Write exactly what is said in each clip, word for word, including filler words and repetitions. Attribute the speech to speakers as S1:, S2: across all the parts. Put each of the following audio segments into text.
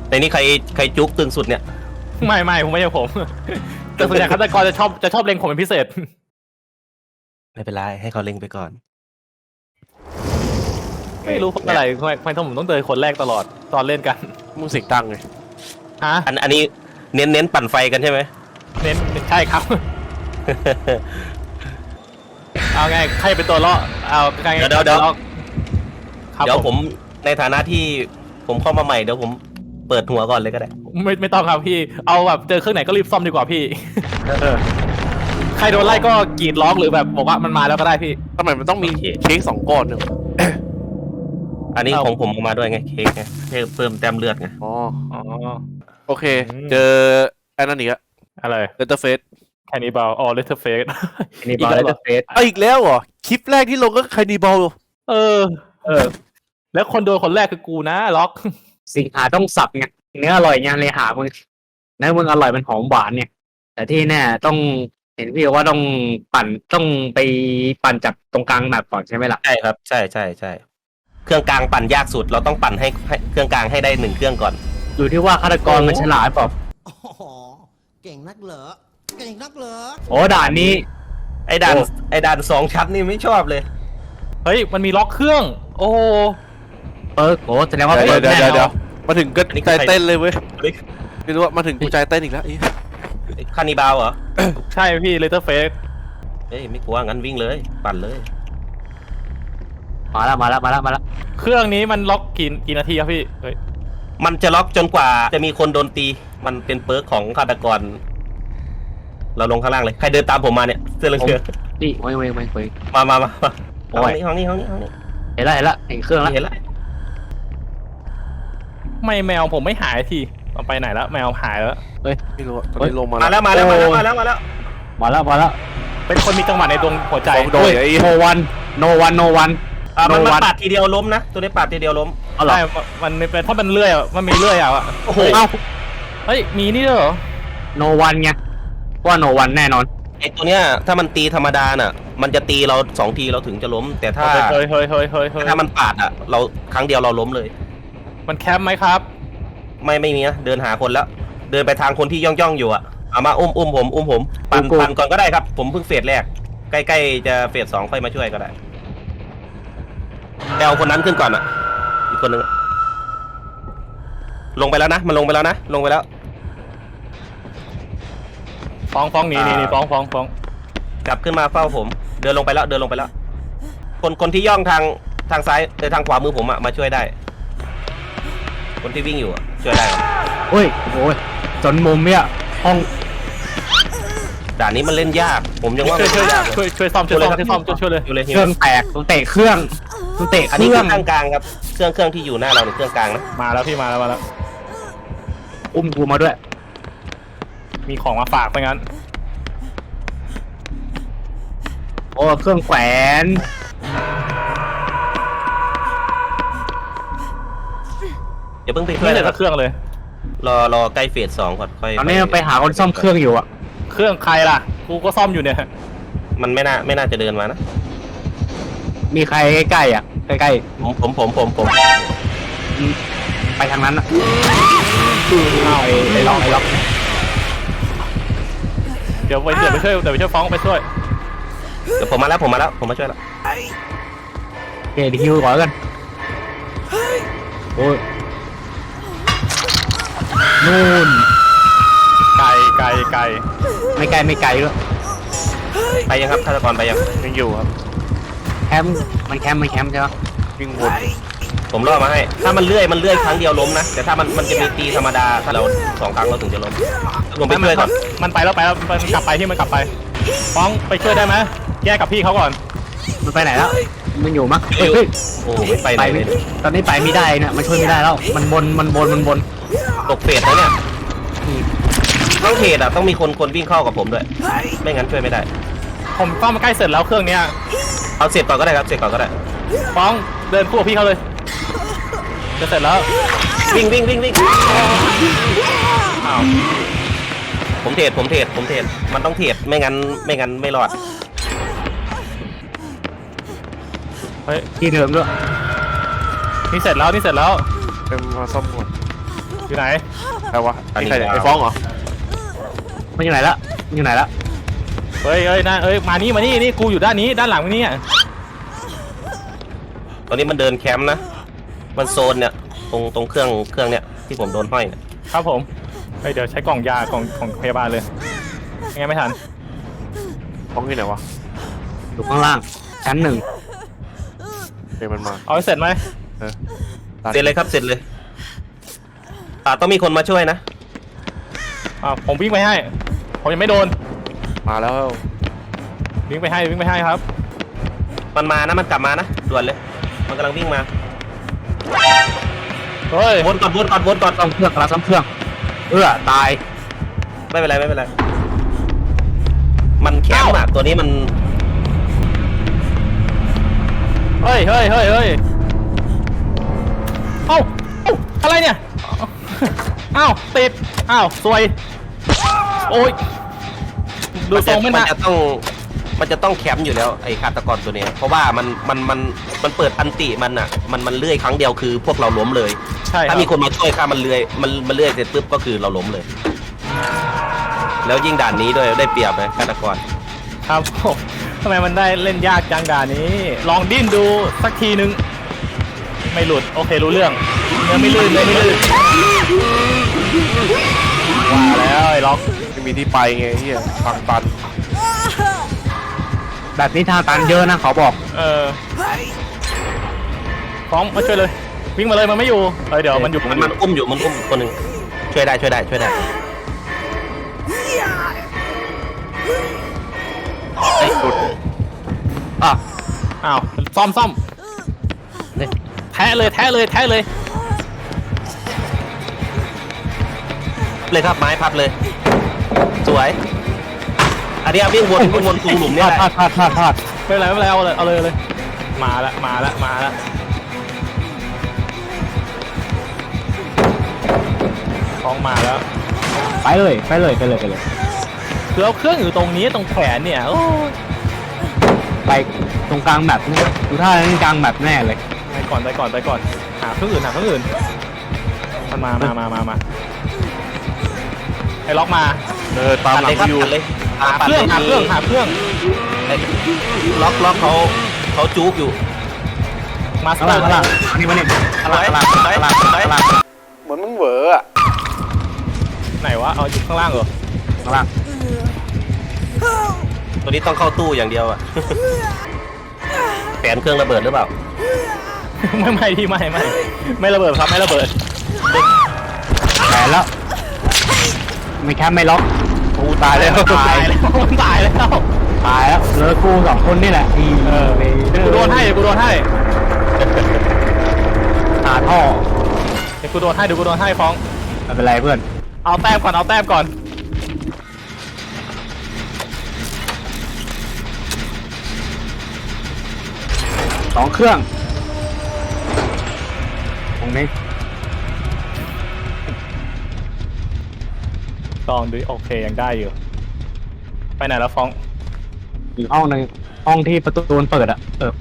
S1: ในนี้ใครใครจุกตึงสุดเนี่ย
S2: ไม่ไม่ผมไม่ใช่ผมแต่ส่วนใหญ่ฆาตกรจะชอบจะชอบเล็งผมเป็นพิเศษ
S1: ไม่เป็นไรให้เขาเล็งไปก่อน
S2: ไม่รู้เพราะอะไรทำไมทำไมผมต้องเจอคนแรกตลอดตอนเล่นกัน
S3: มึงเสียงดังไง
S2: ฮะ
S1: อันอันนี้เน้นเน้นปั่นไฟกันใช่ไหม
S2: เน้นใช่ครับเอาไงใครเป็นตัวล่อเอาไง
S1: เดี๋ยวเดี๋ยวเดี๋ยวเดี๋ยวผมในฐานะที่ผมเข้ามาใหม่เดี๋ยวผมเปิดหัวก่อนเลยก็ได้
S2: ไม่ไม่ต้องครับพี่เอาแบบเจอเครื่องไหนก็รีบซ่อมดีกว่าพี่ใครโดนไล่ก็กรีดร้องหรือแบบบอกว่ามันมาแล้วก็ได้พี่
S3: ทำไมมันต้องมีเค้กสองก้อนเนี่ย
S1: อันนี้ของผมมาด้วยไงเค้กไงเพิ่มแต้มเลือดไง
S3: อ๋ออ๋อโอเคเจอไอ้นั่นอีกอะ
S2: อะไร
S3: เลเตอร์เฟส
S2: แคนิบาลอ๋อเลเตอร์เฟส
S4: แคนิบาลเลเตอร์เฟส
S3: เอาอีกแล้วเหรอคลิปแรกที่ลงก็แคนิบาล
S2: เออเออแล้วคนโดนคนแรกคือกูนะล็อก
S4: สิงหาต้องสับไงเนื้ออร่อยไงเลยหามึงเนื้อมึงอร่อยมันหอมหวานเนี่ยแต่ที่แน่ต้องเห็นพี่ว่าต้องปั่นต้องไปปั่นจากตรงกลางแมปก่อนใช่ไหมล่ะ
S1: ใช่ครับใช่ใช่ใช่เครื่องกลางปั่นยากสุดเราต้องปั่นให้เครื่องกลางให้ได้หนึ่งเครื่องก่อน
S4: อยู่ที่ว่าฆาตกรมันฉลาดเปล่า
S5: อ๋อเก่งนักเหรอเก่งนักเหรอ
S4: โอ้ด่านนี้
S1: ไอ้ด่านไอ้ด่านสองชั้นนี่ไม่ชอบเลย
S2: เฮ้ยมันมีล็อกเครื่องโอ้
S4: เปิร์กโอ้แสดงว่าเปิร์ก
S3: แน่เดี๋ยวมาถึงก็ใจเต้นเลยเว้ยไม่รู้ว่ามาถึงกูใจเต้นอีกแล้ว
S1: คานิบาลเหรอ
S2: ใช่พี่เลเตอร์เฟส
S1: เฮ้ยไม่กลัวงั้นวิ่งเลยปั่นเลย
S4: มาแล้วมาแล้วมาแล้วมาแล้ว
S2: เครื่องนี้มันล็อกกี่กี่นาทีครับพี่เฮ้ย
S1: มันจะล็อกจนกว่าจะมีคนโดนตีมันเป็นเปิร์กของฆาตกรเราลงข้างล่างเลยใครเดินตามผมมาเนี่ยเสื้อเหลือง
S4: นี่ไม่ไม่ไม่ไม่
S1: มามามาห้องนี้ห้องนี้ห้องนี้ห้องนี้
S4: เห็นแล้วเห็นแล้วเห็นเครื่องแล้ว
S1: เห็นแล้ว
S2: ไม่แมวผมไม่หายทีเอาไปไหนแล้วแมวหายแล้ว
S3: เฮ้ยไม่รู้ตอนนี้ลงมา
S1: แล้วมาแล้วมาแล้วมาแล้วมาแล้ว
S4: มาแล้วมาแล้ว
S2: เป็นคนมีจังหวะในดวงหัวใจ
S3: โดนไอ้
S4: โนวันโนวันโนวัน
S1: มันมาปาดทีเดียวล้มนะตัวนี้ปาดทีเดียวล้ม
S2: ใช่มันเป็นเพราะมันเลื่อยมันมีเลื่อยอ่ะ
S1: โอ้โห
S2: เฮ้ยมีนี่เหรอ
S4: โนวันไงว่าโนวันแน่นอน
S1: ไอ้ตัวเนี้ยถ้ามันตีธรรมดาน่ะมันจะตีเราสองทีเราถึงจะล้มแต่ถ้า
S2: เฮ้ยเฮ้ยเฮ้ยเฮ้ย
S1: ถ้ามันปาดอ่ะเราครั้งเดียวเราล้มเลย
S2: มันแคมป์ไหมครับ
S1: ไม่ไม่มีนะเดินหาคนแล้วเดินไปทางคนที่ย่องย่องอยู่อ่ะเอามาอุ้มอุ้มผมอุ้มผมปั่นปั่นก่อนก็ได้ครับผมเพิ่งเฟสแรกใกล้ๆจะเฟสสองค่อยมาช่วยก็ได้เอาคนนั้นขึ้นก่อนอ่ะอีกคนนึงลงไปแล้วนะมันลงไปแล้วนะลงไปแล้ว
S2: ฟ้องฟ้องหนีหนีฟ้องฟ้องฟ้อง
S1: กลับขึ้นมาเฝ้าผมเดินลงไปแล้วเดินลงไปแล้วคนคนที่ย่องทางทางซ้ายเออทางขวามือผมอ่ะมาช่วยได้คนที่วิ่งอยู่อ่ะช่วยได้
S4: โอ้ยโอ้ยจนมุมเนี่ยห้อง
S1: ด่านนี้มันเล่นยากผมยังว่า
S2: ช่วยช่วยช่วยช่วยซ่อมช่วยซ่อมช่วยซ่อมช่วยเลย
S4: เครื่องแตกต้องเตะเครื่องต้องเตะ
S1: อันนี้เครื่องกลางครับเครื่องเครื่องที่อยู่หน้าเราเป็นเครื่องกลางนะ
S2: มาแล้วพี่มาแล้วมาแล้ว
S4: อุ้มกูมาด้วย
S2: มีของมาฝากไปงั้น
S4: โอ้เครื่องแขวน
S1: อย่าเพิ่งไปช่วย
S2: เลยเครื่องเลย
S1: รอรอใกล้เฟสสองก่อนค่อย
S4: ตอนนี้ไปหาคนซ่อมเครื่องอยู่อะ
S2: เครื่องใครล่ะกูก็ซ่อมอยู่เนี่ย
S1: มันไม่น่าไม่น่าจะเดินมานะ
S4: มีใครใกล้ๆอ่ะใกล้
S1: ๆผมผมผมผมผม
S4: ไปทางนั้นอ่ะเอาไอ้ล็อกไอ้ล็อก
S2: เดี๋ยวไปเดี๋ยวไปช่วยเดี๋ยวไปช่วยฟ้องไปช่วย
S1: เดี๋ยวผมมาแล้วผมมาแล้วผมมาช่วยแล้ว
S4: โอเคเดี๋ยวฮิวก่อนกันโอ้ยนู่น
S2: ไกลไกลไกล
S4: ไม่ไกลไม่ไกลด้วย
S1: ไปยังครับฆาตกรไปยัง
S2: ยังอยู่ครับ
S4: แคมป์มันแคมป์มันแคมป์ใช่ไหม
S1: วิ่งวนผมล่อมาให้ถ้ามันเลื่อยมันเลื่อยครั้งเดียวล้มนะแต่ถ้ามันมันจะมีตีธรรมดาถ้าเราสองครั้งเราถึงจะล้มลงไปช่วยก่อน
S2: มันไปแล้วไปแล้วมันกลับไปที่มันกลับไปฟ้องไปช่วยได้ไหมแยกกับพี่เขาก่อน
S4: มันไปไหนแล้วมันอยู่มั้ง
S1: โอ้ไม่ไปไหนเลย
S4: ตอนนี้ไปไม่ได้นะมันช่วยไม่ได้แล้วมันบนมันบนมันบน
S1: ตกเฟสแล้วเนี่ยต้องเฟสอ่ะต้องมีคนคนวิ่งเข้ากับผมด้วยไม่งั้นช่วยไม่ได้
S2: ผมต้องมาใกล้เสร็จแล้วเครื่องเนี้ย
S1: เอาเสร็จก่อนก็ได้ครับเสร็จก่อนก็ได้
S2: ฟ้องเดินคู่กับพี่เขาเลยจะเสร็จแล้ว
S1: วิ่งวิ่งวิ่งวิ่งอ้าวผมเทรดผมเทรดผมเทรดมันต้องเทรดไม่งั้นไม่งั้นไม่รอด
S2: เฮ้ย
S4: ที่เดิมด้วย
S2: นี่เสร็จแล้วนี่เสร็จแล้ว
S3: เป็นมาซ่อมหมด
S2: อยู่ไหน
S3: ใครวะนี่ใครเนี่ยไอ้ฟ้องเหรอ
S4: มันอยู่ไหนละมันอยู่ไหนละ
S2: เฮ้ยเฮ้ยนะเอ้ยมานี่มานี่นี่กูอยู่ด้านนี้ด้านหลังนี่อ่ะ
S1: ตอนนี้มันเดินแคมป์นะมันโซนเนี่ยตรงตรงเครื่องเครื่องเนี่ยที่ผมโดนห้อยเนี่ย
S2: ครับผมเฮ้ยเดี๋ยวใช้กล่องยากล่องของพยาบาลเลยยังไงไม่ทัน
S3: ฟ้องที่ไหนวะ
S4: อยู่ข้างล่างชั้นหนึ่ง
S3: เดี๋ยวมันมา
S2: เอาให้เสร็จไหม
S3: เออ
S1: เสร็จเลยครับเสร็จเลยอ่าต้องมีคนมาช่วยนะ
S2: อ่าผมวิ่งไปให้ผมยังไม่โดน
S3: มาแล้ว
S2: วิ่งไปให้วิ่งไปให้ครับ
S1: มันมานะมันกลับมานะด่วนเลย มันกำลังวิ่งมา
S2: เฮ้ย
S1: วนก่อนวนก่อนวนก่อน
S4: ซ่อมเครื่องกำลังซ่อมเครื่อง เอื้อตาย
S1: ไม่เป็นไรไม่เป็นไรมันแคมป์อ่ะตัวนี้มัน
S2: เฮ้ยเฮ้ยเฮ้ยเฮ้ยเอ้าเอ้าอะไรเนี่ยเอ้าติดเอ้าซวยโอ้ยดู
S1: มัน
S2: ท
S1: จะ
S2: รงไม่
S1: มัน
S2: น่า
S1: จะต้องมันจะต้องแคมป์อยู่แล้วไอ้ฆาตกรตัวเนี้ยเพราะว่ามันมันมันมันเปิดอันติมันอ่ะมันมันเลื่อยครั้งเดียวคือพวกเราล้มเลย
S2: ใช่ครั
S1: ถ้า
S2: บ
S1: มีคนมาช่วยข้ามันเลื่อยมันมันเลื่อยเสร็จปุ๊บก็คือเราล้มเลย แล้วยิ่งด่านนี้ด้วยได้เปรียบเลยฆาตกร
S2: ครับผมทำไมมันได้เล่นยากจังด่านนี้ ลองดิ้นดูสักทีนึงไม่หลุดโอเครู้เรื่องเนื้อไม่ลื่นเนื้อไม่ลื่นว่าแล้วไอ้ล็อก
S3: ไม่มีที่ไปไงเฮียฟังตัน
S4: แบบนี้ทางตันเยอะนะขอบอก
S2: เออพร้อมมาช่วยเลยวิ่งมาเลยมันไม่อยู่เออเดี๋ยวมันอยู่
S1: มันมันอุ้มอยู่มันอุ้มคนหนึ่งช่วยได้ช่วยได้ช่วยได้ไอ้ยหลุด
S2: อ่ะอ้าวซ่อมซ่อมแทะเลยแทะเลยแทะเลย
S1: เลยครับไม้พับเลย สวย อันนี้วิ่งวนวิ่งวนตรงหลุมเนี่ยแหละ
S4: พลาดพลาดพลาดพลาด
S2: ไม่เป็นไรไม่เป็นไรเอาเลยเอาเลยเอาเลยมาละมาละมาละคล้องมาแล้ว
S4: ไปเลยไปเลยไปเลยไปเลย
S2: คือเอาเครื่องอยู่ตรงนี้ตรงแขนเนี่ยโอ้ย
S4: ไปตรงกลางแบบนี้ดูท่าเล่นกลางแบบแน่เลย
S2: ไปก่อนไปก่อนไปก่อนหาเครื่องอื่นหาเครื่องอื่นมันมามามามามาไอ้ล็อกมา
S3: เออตาม
S1: ตัด
S3: หลั
S1: เล
S3: ง
S1: ยครับ
S3: กูอยู่
S1: ตัดเลย
S2: หาเครื่องหาเครื่องหาเครื่อง
S1: ไอ้ล็อกล็อกเขาเขาจุกอยู่
S2: มาส
S4: ข้าง
S2: เตอ
S4: ล่าง
S2: ร์
S4: ข้างล่างอันนี้มาเนี่ยข้างล่างข้างล่าง
S1: ไป
S4: ข้างล่าง
S1: ไป
S4: ข้างล่าง
S3: เหมือนมึงเหวออะ
S2: ไหนวะเอาอยู่ข้างล่างเหรอ
S4: ข้างล่าง
S1: ตัวนี้ต้องเข้าตู้อย่างเดียวอ่ะ แผนเครื่องระเบิดหรือเปล่า
S2: ไม่ไม่ที่ไม่ไม่ไม่ระเบิดครับไม่ระเบิด
S4: แผลแล้วไม่แค่ไม่ล็อก
S3: กูตายแล้ว
S2: ตายแล้วตายแล้ว
S4: ตายแล้วเหลือกูสองคนนี่แหละอี
S2: เออ
S4: เวเดอร์
S2: กูโดนให้เดี๋ยวกูโดนให้
S4: หาท่อ
S2: เดี๋ยวกูโดนให้เดี๋ยวกูโดนให้ฟ้อง
S4: ไม่เป็นไรเพื่อน
S2: เอาแต้มก่อนเอาแต้มก่อน
S4: สองเครื่องตรงนี้
S2: ลองดูโอเคยังได้อยู่ไปไหนแล้วฟ้อง
S4: อีกห้องหนึ่งห้องที่ประตูมันเปิดอะเออ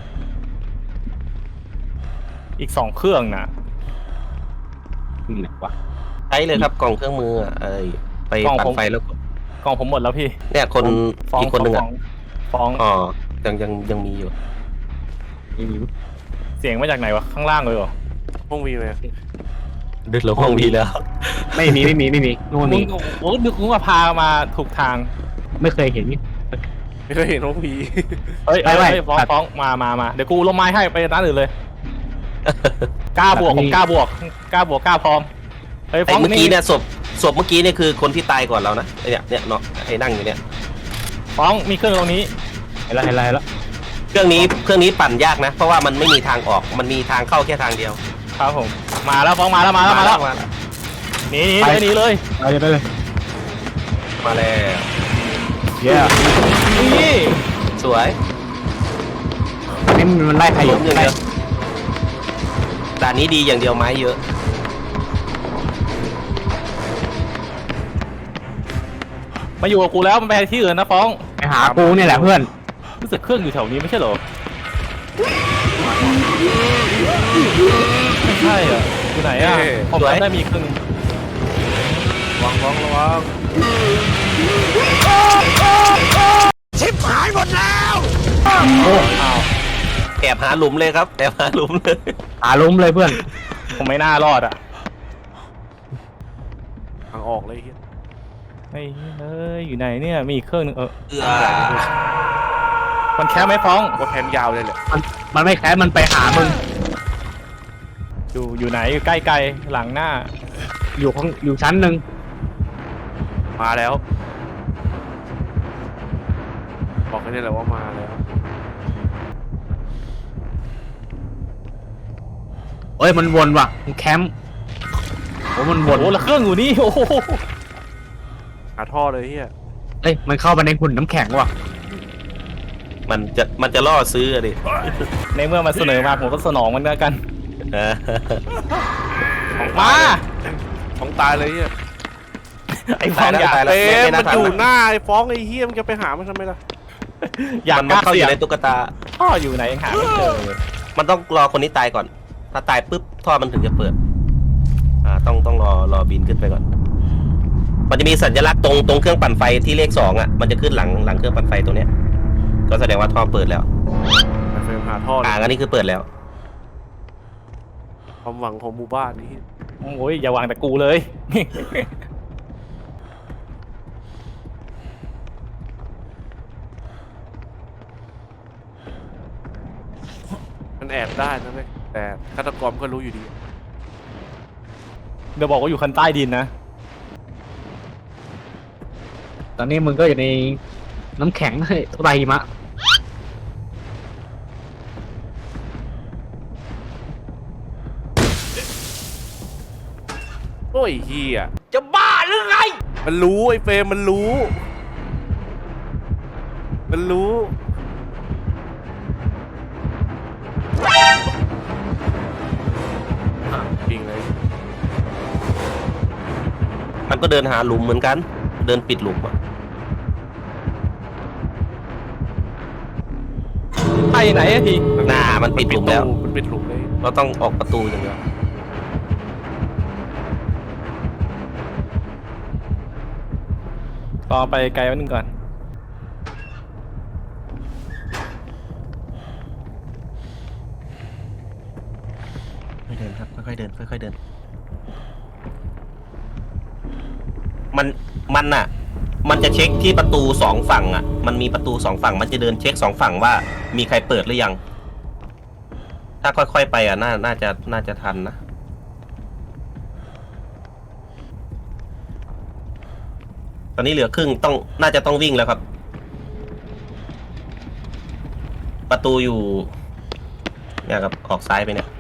S2: อีกสองเครื่องนะ
S4: นี่ไหนวะ
S1: ใช้เลยครับกล่องเครื่องมืออ่ะเอ้ยไปปั่นไฟแล้วกด
S2: กล่องผมหมดแล้วพี่
S1: เนี่ยคน
S2: ฟ้อง
S1: อีกคนหนึ่ง
S2: ฟ้
S1: อ่ะ
S2: องฟ้อง
S1: อ๋อยังยังยังมีอยู่
S4: นี่มี
S2: เสียงมาจากไหนวะข้างล่างเลยเหรอ
S3: ห้องวีเลย
S1: ดึกลงห้องมีแล้ว
S4: ไม่มีไม่มีไม่มีนู่น
S2: มึ
S4: มี
S2: งโอ้ดึกมึงมาพามาถูกทาง
S4: ไม่เคยเห็นนี่
S3: ไม่เคยเห็นห้องวี
S2: เอ้ย
S4: ไม่
S2: เอ้ย
S4: ไม่
S2: เอ้ยฟ้อง
S4: ตัด
S2: ฟ้องมามามาเดี๋ยวกูลงไม้ให้ไปร้านอื่นเลยกล้าบวก
S4: ตัด
S2: ผม
S4: นี่
S2: กล้าบวกกล้าบวกกล้าพร้อมเฮ้ย
S1: ไอ้
S2: ฟ้อง
S1: เมื่อกี้
S2: นี่
S1: เนี่ยศพศพเมื่อกี้เนี่ยคือคนที่ตายก่อนเรานะไอ้เนี่ยเนี่ยเนาะไอ้นั่งอยู่เนี่ย
S2: ฟ้องมีเครื่องตรงนี้
S4: เห็นแล้วเห็นแล้วเห็นแล้ว
S1: เครื่องนี้เครื่องนี้ปั่นยากนะ เพราะว่ามันไม่มีทางออกมันมีทางเข้าแค่ทางเดียว
S2: ครับผมมาแล้วฟ้องมาแล้วมาแล้วมาแล้ว
S1: มาแล้ว
S2: หนีหนีเลยหนีเลย
S4: ไปเลยไปเลย
S1: มาแล้ว
S4: เย้
S2: นี่
S1: สวย
S4: อันนี้มันไล่ใครอ
S1: ล้
S4: ยู่
S1: มอย่าง
S4: ไล่
S1: เดียวด่านนี้ดีอย่างเดียวไม้เยอะ
S2: มาอยู่กับกูแล้วมันไปที่อื่นนะฟ้อง
S4: ไปหากูเนี่ยแหละเพื่อน
S2: รู้สึกเครื่องอยู่แถวนี้ไม่ใช่เหรอไม่ใช่เหรออยู่ไหนอ่ะผมจำได้มีอีกครึ่งหนึ่ง
S3: ระวังระวังระวัง
S5: ชิบหายหมดแล้ว
S2: โอ้อ้าว
S1: แอบหาหลุมเลยครับแอบหาหลุมเลย
S4: หาล้มเลยเพื่อน
S2: ผมไม่น่ารอดอ่ะ
S3: ทางออกเลยเฮีย
S2: ไอ้เอ้ยอยู่ไหนเนี่ยมีอีกเครื่องหนึงเออ
S1: เอือ
S2: มันแค่ไม่ฟ้อง
S3: ว่าแคมยาวเลยแหละ
S4: มันมันไม่แค้นมันไปหามึง
S2: อยู่อยู่ไหนอยู่ใกล้ๆหลังหน้า
S4: อยู่ข้างอยู่ชั้นหนึ่ง
S3: มาแล้วบอกแค่นี้แหละว่ามาแล้ว
S4: เอ้ยมันวนว่ะมันแคมป์โอ้มันว
S2: โอ้
S4: น
S2: โหแล้วเครื่องอยู่นี่โอ้โห
S3: หาท่อเลยเฮีย
S4: เอ้ยมันเข้าไปในหุ่นน้ำแข็งว่ะ
S1: มันจะมันจะล่อซื้ออะดิ
S2: ในเมื่อมันเสนอมาผมก็สนองมันแล้วกัน
S1: เออ
S2: มา
S3: ของตายเลยเฮีย
S2: ไอ้ฟ้องอยาก
S1: ตายแล้ว
S3: เป๊ะ
S1: ไม่
S3: มัน
S1: น่าทัน
S3: อยู่
S1: ละ
S3: หน้าไอ้ฟ้องไอ้เฮียมันจะไปหามันทำไมล่ะ
S2: อยาก
S1: มัน
S2: กล้า
S1: เข้าอ
S2: เสี่ย
S1: ยู่
S2: ง
S1: ในตุ๊กตา
S2: ท่ออยู่ไหนยังหาไม่เจอเลย
S1: มันต้องรอคนนี้ตายก่อน ถ้าตายปุ๊บท่อมันถึงจะเปิด อ่าต้องต้องรอรอบินขึ้นไปก่อน มันจะมีสัญลักษณ์ตรงตรงเครื่องปั่นไฟที่เลขสองอ่ะ มันจะขึ้นหลังหลังเครื่องปั่นไฟตรงเนี้ย ก็แสดงว่าท่อเปิดแล้ว
S3: ไปเฟรมหาท่อเล
S1: อ่าย อันนี้คือเปิดแล้ว
S3: ความหวังของหมู่บ้านนี้
S2: โอ้ยอย่าวางแต่กูเลย
S3: มันแอบได้นะเว้ยแต่ฆาตกรก็รู้อยู่ดี
S2: เดี๋ยวบอกว่าอยู่คันใต้ดินนะ
S4: ตอนนี้มึงก็อยู่ในน้ำแข็งเฮ้ยไรหิมะ
S3: โอ้ยเฮีย
S1: จะบ้าหรือไง
S3: มันรู้ไอ้เฟรมมันรู้ มันรู้จริงเลย
S1: มันก็เดินหาหลุมเหมือนกัน เดินปิดหลุมอ่ะ
S2: ไปไหนอะที
S1: หน้ามันปิดหลุมแล้ว
S3: มันปิดหลุมเลย
S1: เราต้องออกประตูอย่างเดียว
S2: รอไปไกลวันนึงก่อน
S1: ค่อยเดินครับค่อยๆเดินค่อยๆเดิน มันมันอ่ะ มันจะเช็คที่ประตูสองฝั่งอ่ะ มันมีประตูสองฝั่ง มันจะเดินเช็คสองฝั่งว่ามีใครเปิดหรือยัง ถ้าค่อยๆไปอ่ะน่าน่าจะน่าจะทันนะ ตอนนี้เหลือครึ่งต้องน่าจะต้องวิ่งแล้วครับ ประตูอยู่เนี่ยครับออกซ้ายไปเนี่ย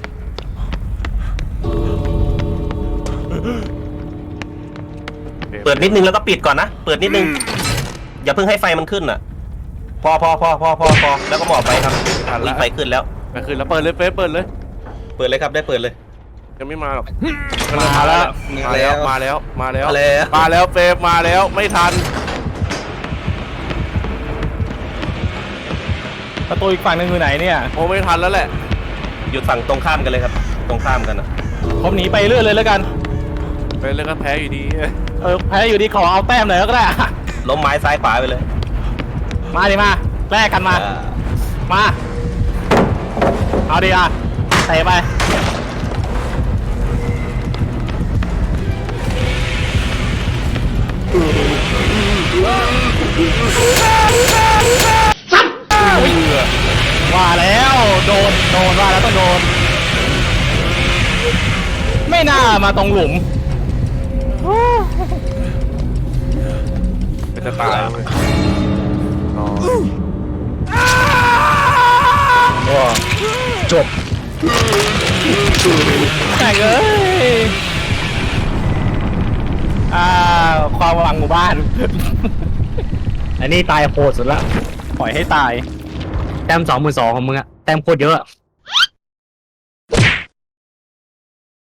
S1: เปิดนิดนึงแล้วก็ปิดก่อนนะ เปิดนิดนึง อย่าเพิ่งให้ไฟมันขึ้นอ่ะ พอพอพอพอพอพอแล้วก็หมอบไปครับมีไฟขึ้นแล้ว
S3: ไปคืนแล้วเปิดเลยเฟรมเปิดเลย
S1: เปิดเลยครับได้เปิดเลย
S3: ยังไม่มาหรอก
S2: มาแล้ว
S3: มาแล้วมาแล้วมาแล้ว
S1: มาแล้ว
S3: มาแล้วเฟรมมาแล้วไม่ทัน
S2: ประตูอีกฝั่งหนึงอยู่ไหนเนี่ย
S3: โอ้ไม่ทันแล้วแหละ
S1: อยู่ฝั่งตรงข้ามกันเลยครับ ตรงข้ามกันอ่ะ
S2: ผมหนีไปเรื่อยเลยแล้วกัน
S3: ไปเล่นก็แพ้อยู่ดี
S2: เออแพ้อยู่ดีขอเอาแต้มหน่อยก็ได้อะ
S1: ล้มไม้ซ้ายขวาไปเลย
S2: มาดิมาแลกกันมา
S1: อ่า
S2: มา เอาดิอ่ะเตะไป ว่าแล้วโดนโดนว่าแล้วต้องโดน ไม่น่ามาตรงหลุม
S3: เป็นจะตายเลยอ๋อ
S4: จบ
S2: แต่งเอ้ยอ่าความหวังหมู่บ้าน
S4: อันนี้ตายโหดสุดละ
S2: ปล่อยให้ตาย
S4: แต้มสองหมื่นสองของมึงอะแต้มโคตรเยอะ